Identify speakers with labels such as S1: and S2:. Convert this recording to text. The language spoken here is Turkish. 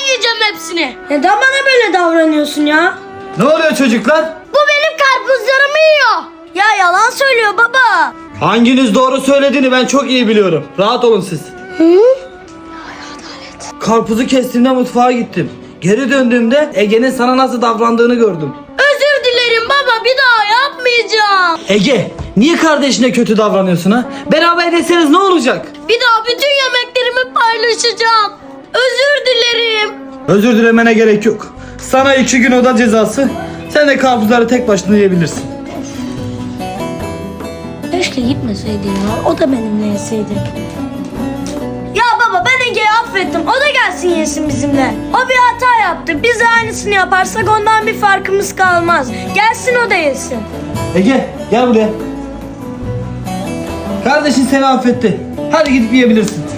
S1: yiyeceğim hepsini.
S2: Neden bana böyle davranıyorsun ya?
S3: Ne oluyor çocuklar?
S1: Bu benim karpuzlarımı yiyor.
S2: Ya yalan söylüyor baba.
S3: Hanginiz doğru söylediğini ben çok iyi biliyorum. Rahat olun siz. Karpuzu kestiğimde mutfağa gittim. Geri döndüğümde Ege'nin sana nasıl davrandığını gördüm.
S1: Özür dilerim baba, bir daha yapmayacağım.
S3: Ege, niye kardeşine kötü davranıyorsun ha? Beraber deseniz ne olacak?
S1: Bir daha bütün yemeklerimi paylaşacağım. Özür dilerim.
S3: Özür dilemene gerek yok. Sana 2 gün oda cezası. Sen de karpuzları tek başına yiyebilirsin.
S2: Keşke gitmeseydin ya. O da benimle yeseydi. Ya baba ben Ege'yi affettim. O da gelsin yesin bizimle. O bir hata yaptı. Biz de aynısını yaparsak ondan bir farkımız kalmaz. Gelsin o da yesin.
S3: Ege, gel buraya. Kardeşin seni affetti. Hadi gidip yiyebilirsin.